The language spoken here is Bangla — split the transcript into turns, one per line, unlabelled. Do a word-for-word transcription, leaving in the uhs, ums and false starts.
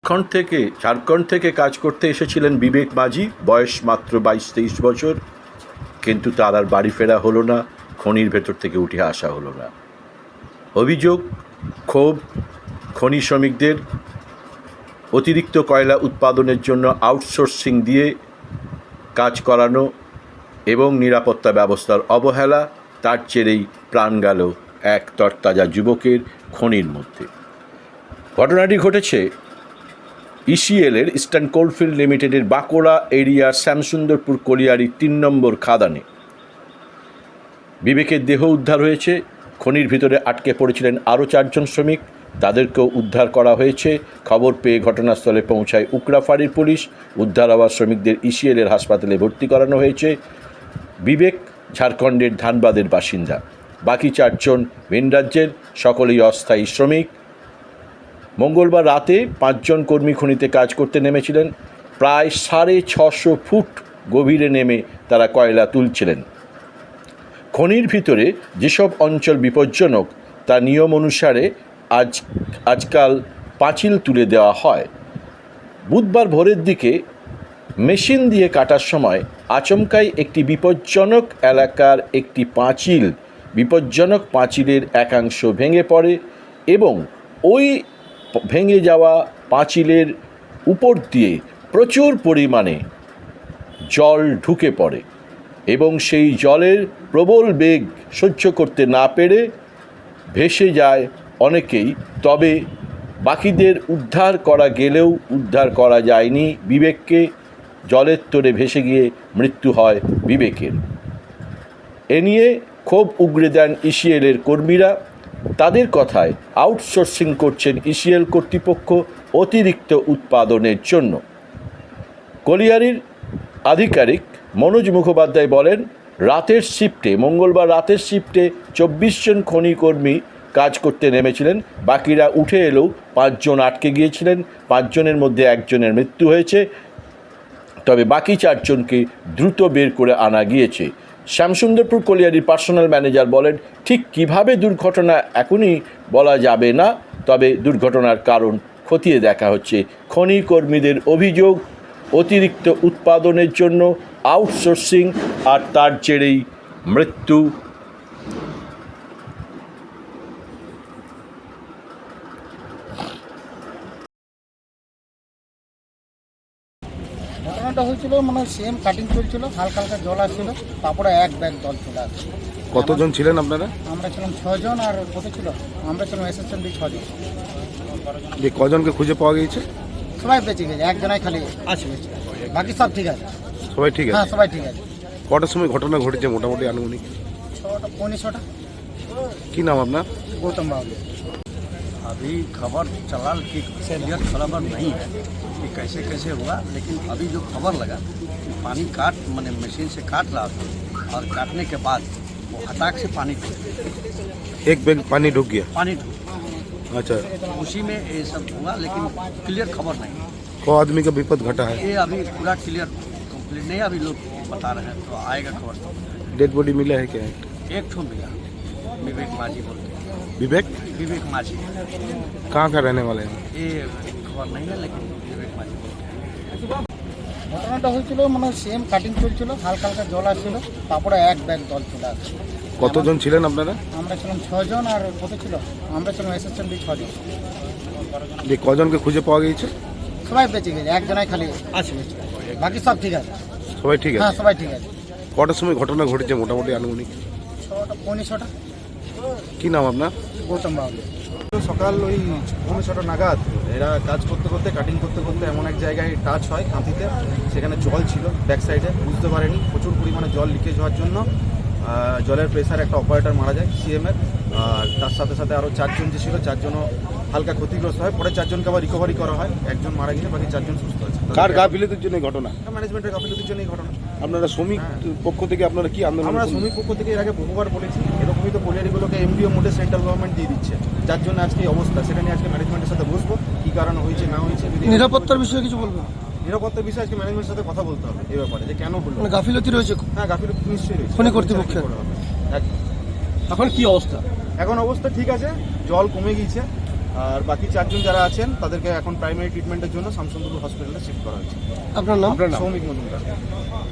ঝাড়খণ্ড থেকে ঝাড়খণ্ড থেকে কাজ করতে এসেছিলেন বিবেক মাঝি, বয়স মাত্র বাইশ তেইশ বছর। কিন্তু তার আর বাড়ি ফেরা হলো না, খনির ভেতর থেকে উঠে আসা হলো না। অভিযোগ, ক্ষোভ খনি শ্রমিকদের অতিরিক্ত কয়লা উৎপাদনের জন্য আউটসোর্সিং দিয়ে কাজ করানো এবং নিরাপত্তা ব্যবস্থার অবহেলা, তার জেরেই প্রাণ গেল এক তরতাজা যুবকের খনির মধ্যে। ঘটনাটি ঘটেছে ইসিএলের ইস্টার্ন কোলফিল্ড লিমিটেডের বাঁকুড়া এরিয়ার শ্যামসুন্দরপুর কলিয়ারির তিন নম্বর খাদানে। বিবেকের দেহ উদ্ধার হয়েছে। খনির ভিতরে আটকে পড়েছিলেন আরও চারজন শ্রমিক, তাদেরকেও উদ্ধার করা হয়েছে। খবর পেয়ে ঘটনাস্থলে পৌঁছায় উকরা ফাঁড়ির পুলিশ। উদ্ধার হওয়া শ্রমিকদের ইসিএলের হাসপাতালে ভর্তি করানো হয়েছে। বিবেক ঝাড়খণ্ডের ধানবাদের বাসিন্দা, বাকি চারজন ভিন রাজ্যের, সকলেই অস্থায়ী শ্রমিক। মঙ্গলবার রাতে পাঁচজন কর্মী খনিতে কাজ করতে নেমেছিলেন। প্রায় সাড়ে ছশো ফুট গভীরে নেমে তারা কয়লা তুলছিলেন। খনির ভিতরে যেসব অঞ্চল বিপজ্জনক তা নিয়ম অনুসারে আজ আজকাল পাঁচিল তুলে দেওয়া হয়। বুধবার ভোরের দিকে মেশিন দিয়ে কাটার সময় আচমকাই একটি বিপজ্জনক এলাকার একটি পাঁচিল বিপজ্জনক পাঁচিলের একাংশ ভেঙে পড়ে এবং ওই ভেঙে যাওয়া পাঁচিলের উপর দিয়ে প্রচুর পরিমাণে জল ঢুকে পড়ে এবং সেই জলের প্রবল বেগ সহ্য করতে না পেরে ভেসে যায় অনেকেই। তবে বাকিদের উদ্ধার করা গেলেও উদ্ধার করা যায়নি বিবেককে। জলের তোরে ভেসে গিয়ে মৃত্যু হয় বিবেকের। এ নিয়ে ক্ষোভ উগরে দেন ইসিএলের কর্মীরা। তাদের কথায় আউটসোর্সিং করছেন ইসিএল কর্তৃপক্ষ অতিরিক্ত উৎপাদনের জন্য। কলিয়ারির আধিকারিক মনোজ মুখোপাধ্যায় বলেন, রাতের শিফটে মঙ্গলবার রাতের শিফটে চব্বিশ জন খনি কর্মী কাজ করতে নেমেছিলেন। বাকিরা উঠে এলেও পাঁচজন আটকে গিয়েছিলেন। পাঁচজনের মধ্যে একজনের মৃত্যু হয়েছে, তবে বাকি চারজনকে দ্রুত বের করে আনা গিয়েছে। শ্যামসুন্দরপুর কলিয়ারির পার্সোনাল ম্যানেজার বলেন, ঠিক কিভাবে দুর্ঘটনা এখনই বলা যাবে না, তবে দুর্ঘটনার কারণ খতিয়ে দেখা হচ্ছে। খনি কর্মীদের অভিযোগ, অতিরিক্ত উৎপাদনের জন্য আউটসোর্সিং আর তার জেরেই মৃত্যু।
ঘটনাটা হয়েছিল মানে সেম কাটিং চলছিল, হালকা হালকা জল আসছিল, তারপরে এক ব্যাগ জল চলে আসছে।
কতজন ছিলেন আপনারা?
আমরা ছিলাম ছজন, আর কত ছিল আমরা ছিলাম অ্যাসিস্ট্যান্ট ছজন।
যে কজনকে খুঁজে পাওয়া গিয়েছে?
সবাই বেঁচে গেছে, একজনাই খালি আছে, বাকি সব ঠিক আছে।
সবাই ঠিক আছে?
হ্যাঁ, সবাই ঠিক আছে।
কটার সময় ঘটনা ঘটেছে মোটামুটি আনুমানিক?
ছটা পৌনে ছটা।
কি নাম আপনার?
गौतम बाबू।
अभी खबर चला कि क्लियर खबर नहीं है कि कैसे कैसे हुआ, लेकिन अभी जो खबर लगा कि पानी काट मैंने मशीन से काट रहा था और काटने के बाद वो हटाक से पानी
एक बैग पानी ढुक गया?
पानी ढूंढ
अच्छा,
उसी में ये सब हुआ, लेकिन क्लियर खबर नहीं।
को आदमी का विपद घटा है?
ये अभी पूरा क्लियर कंप्लीट नहीं, अभी लोग बता रहे हैं, तो आएगा खबर।
डेड बॉडी मिला है क्या?
एक ठो मिला, विवेक माझी बोलते हैं।
विवेक
विवेक माझी
कहाँ का रहने वाले हैं?
ये खबर नहीं है, लेकिन विवेक माझी बोलते हैं।
ঘটনাটা হয়েছিল মানে সেম কাটিং চলছিল, হালকা হালকা জল আসছিল, তারপরে এক ব্যাগ জল চলে আসছে।
কতজন ছিলেন আপনারা?
আমরা ছিলাম ছজন, আর কত ছিল আমরা ছিলাম অ্যাসিস্ট্যান্ট ছজন।
যে কজনকে খুঁজে পাওয়া গিয়েছে?
সবাই বেঁচে গেছে, একজনাই খালি আছে, বাকি সব ঠিক আছে।
সবাই ঠিক
হ্যাঁ,
আছে?
সবাই ঠিক আছে।
কটার সময় ঘটনা ঘটেছে মোটামুটি আনুমানিক?
ছটা পৌনে ছটা।
কি নাম আপনার?
গৌতম বাবু।
সকাল ওই পৌনে ছটা নাগাদ এরা কাজ করতে করতে কাটিং করতে করতে এমন এক জায়গায় টাচ হয় কাঁথিতে, সেখানে জল ছিল ব্যাক সাইডে, বুঝতে পারেনি প্রচুর পরিমাণে জল লিকেজ হওয়ার জন্য জলের প্রেসার একটা অপারেটর মারা যায় সিএমের, আর তার সাথে সাথে আরও চারজন যে ছিল চারজনও হালকা ক্ষতিগ্রস্ত হয়। পরে চারজনকে আবার রিকভারি করা হয়, একজন মারা গেছে, বাকি চারজন সুস্থ আছে।
কার গাফিলতির জন্য এই ঘটনা?
ম্যানেজমেন্টের গাফিলতির জন্য এই ঘটনা।
আপনারা শ্রমিক পক্ষ থেকে আপনারা কি আন্দোলন?
আমরা শ্রমিক পক্ষ থেকে এর আগে বহুবার বলেছি, এরকমই তো কলিয়ারিগুলোকে এমডিও মোডে সেন্ট্রাল গভর্নমেন্ট দিয়ে দিচ্ছে, যার জন্য আজকে এই অবস্থা। সেটা নিয়ে আজকে ম্যানেজমেন্টের সাথে বসবো, কী কারণে হয়েছে না হয়েছে।
নিরাপত্তার বিষয়ে কিছু বলবো?
নিরাপত্তার বিষয়ে আজকে ম্যানেজমেন্টের সাথে কথা বলতে হবে এই ব্যাপারে, যে কেন হলো।
মানে গাফিলতি রয়েছে?
হ্যাঁ, গাফিলতি নিশ্চয়ই রয়েছে
খনি কর্তৃপক্ষের।
একদম।
এখন কি অবস্থা?
এখন অবস্থা ঠিক আছে, জল কমে গিয়েছে, আর বাকি চারজন যারা আছেন তাদেরকে এখন প্রাইমারি ট্রিটমেন্টের জন্য শামসুন্দরপুর হসপিটালে শিফট করা হয়েছে।
আপনার নাম আপনার নাম
সৌমিক মজুমদার।